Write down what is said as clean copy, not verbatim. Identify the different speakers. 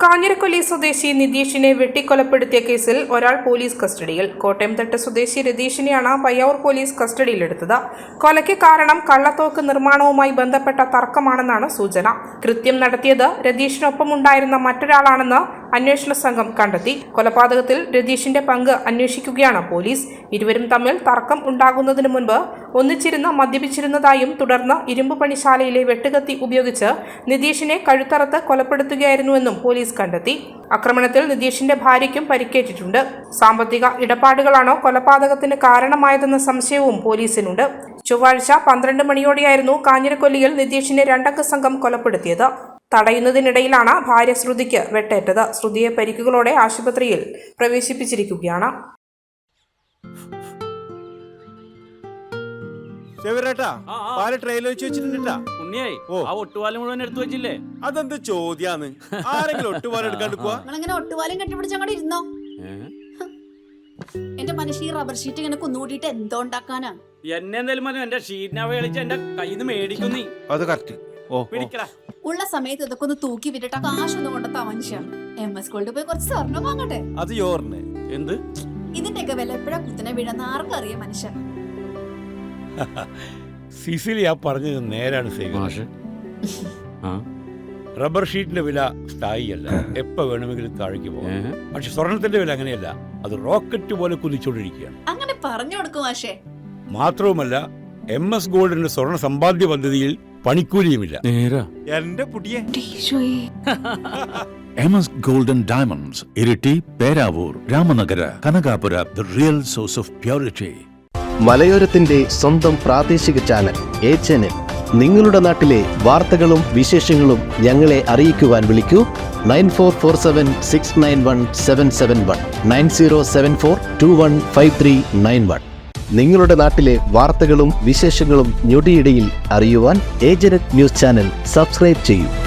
Speaker 1: കാഞ്ഞിരക്കൊല്ലി സ്വദേശി നിതീഷിനെ വെട്ടിക്കൊലപ്പെടുത്തിയ കേസിൽ ഒരാൾ പോലീസ് കസ്റ്റഡിയിൽ. കോട്ടയംതട്ട് സ്വദേശി രതീഷിനെയാണ് പയ്യാവൂർ പോലീസ് കസ്റ്റഡിയിലെടുത്തത്. കൊലയ്ക്ക് കാരണം കള്ളത്തോക്ക് നിർമ്മാണവുമായി ബന്ധപ്പെട്ട തർക്കമാണെന്നാണ് സൂചന. കൃത്യം നടത്തിയത് രതീഷിനൊപ്പമുണ്ടായിരുന്ന മറ്റൊരാളാണെന്ന് അന്വേഷണ സംഘം കണ്ടെത്തി. കൊലപാതകത്തിൽ രതീഷിന്റെ പങ്ക് അന്വേഷിക്കുകയാണ് പോലീസ്. ഇരുവരും തമ്മിൽ തർക്കം ഉണ്ടാകുന്നതിന് മുൻപ് ഒന്നിച്ചിരുന്ന് മദ്യപിച്ചിരുന്നതായും തുടർന്ന് ഇരുമ്പ് പണിശാലയിലെ വെട്ടുകത്തി ഉപയോഗിച്ച് നിതീഷിനെ കഴുത്തറത്ത് കൊലപ്പെടുത്തുകയായിരുന്നുവെന്നും പോലീസ് കണ്ടെത്തി. ആക്രമണത്തിൽ നിതീഷിന്റെ ഭാര്യയ്ക്കും പരിക്കേറ്റിട്ടുണ്ട്. സാമ്പത്തിക ഇടപാടുകളാണോ കൊലപാതകത്തിന് കാരണമായതെന്ന സംശയവും പോലീസിനുണ്ട്. ചൊവ്വാഴ്ച 12 മണിയോടെയായിരുന്നു കാഞ്ഞിരക്കൊല്ലിയിൽ നിതീഷിനെ രണ്ടംഗ സംഘം കൊലപ്പെടുത്തിയത്. തടയുന്നതിനിടയിലാണ് ഭാര്യ ശ്രുതിക്ക് വെട്ടേറ്റത്. ശ്രുതിയെ പരിക്കുകളോടെ ആശുപത്രിയിൽ പ്രവേശിപ്പിച്ചിരിക്കുകയാണ്.
Speaker 2: അതെന്ത് ചോദ്യാന്ന്? ആരെങ്കിലും ഒട്ടുപാലം എടുക്കാണ്ട് പോവാ?
Speaker 3: ഒട്ടുപാലം കെട്ടിപ്പിടിച്ചങ്ങോട്ട് ഇരുന്നോ. എന്റെ മനുഷ്യ റബ്ബർ ഷീറ്റ് ഇങ്ങനെ കുന്നുകൂട്ടിട്ട് എന്തോ ഉണ്ടാക്കാനാ?
Speaker 4: എന്നെ എന്തായാലും മതി, എന്റെ ഷീറ്റിനെ കളിച്ച് എന്റെ കയ്യിൽ നിന്ന് മേടിക്കുന്നീ.
Speaker 2: അത് കറക്റ്റ്.
Speaker 3: ഉള്ള സമയത്ത് ഇതൊക്കെ ഒന്ന് തൂക്കി വിട്ടിട്ട് കാശൊന്നും കൊണ്ടെത്താ മനുഷ്യ. MS ഗോൾഡ് പോയി കുറച്ച് സ്വർണ്ണം വാങ്ങട്ടെ.
Speaker 2: അത് യോറിന്
Speaker 4: എന്ത്
Speaker 3: ഇതിന്റെയൊക്കെ വില എപ്പോഴാ കുത്തിനെ വീഴുന്ന ആർക്കറിയാം മനുഷ്യ.
Speaker 5: സിസിലി ആ പറഞ്ഞത് നേരാണ്. റബ്ബർ ഷീറ്റിന്റെ വില സ്ഥായിയല്ല, എപ്പോ വേണമെങ്കിലും താഴേക്ക് പോകാം. പക്ഷെ സ്വർണത്തിന്റെ വില അങ്ങനെയല്ല, അത് റോക്കറ്റ് പോലെ കുതിച്ചുകൊണ്ടിരിക്കുകയാണ്.
Speaker 3: അങ്ങനെ പറഞ്ഞു കൊടുക്കും മാഷേ.
Speaker 5: മാത്രവുമല്ല MS ഗോൾഡിന്റെ സ്വർണ്ണ സമ്പാദ്യ പദ്ധതിയിൽ പണിക്കൂലിയുമില്ല.
Speaker 2: എന്റെ പുടിയെ
Speaker 6: MS Gold and Diamonds, Iritty, Peravoor, Ramanagara, Kanakapura, the real source of purity.
Speaker 7: മലയോരത്തിന്റെ സ്വന്തം പ്രാദേശിക ചാനൽ HNN. നിങ്ങളുടെ നാട്ടിലെ വാർത്തകളും വിശേഷങ്ങളും ഞങ്ങളെ അറിയിക്കുവാൻ വിളിക്കൂ 9447691771 9074215391. നിങ്ങളുടെ നാട്ടിലെ വാർത്തകളും വിശേഷങ്ങളും ഞൊടിയിടയിൽ അറിയുവാൻ ഏജനറ്റ് ന്യൂസ് ചാനൽ സബ്സ്ക്രൈബ് ചെയ്യൂ.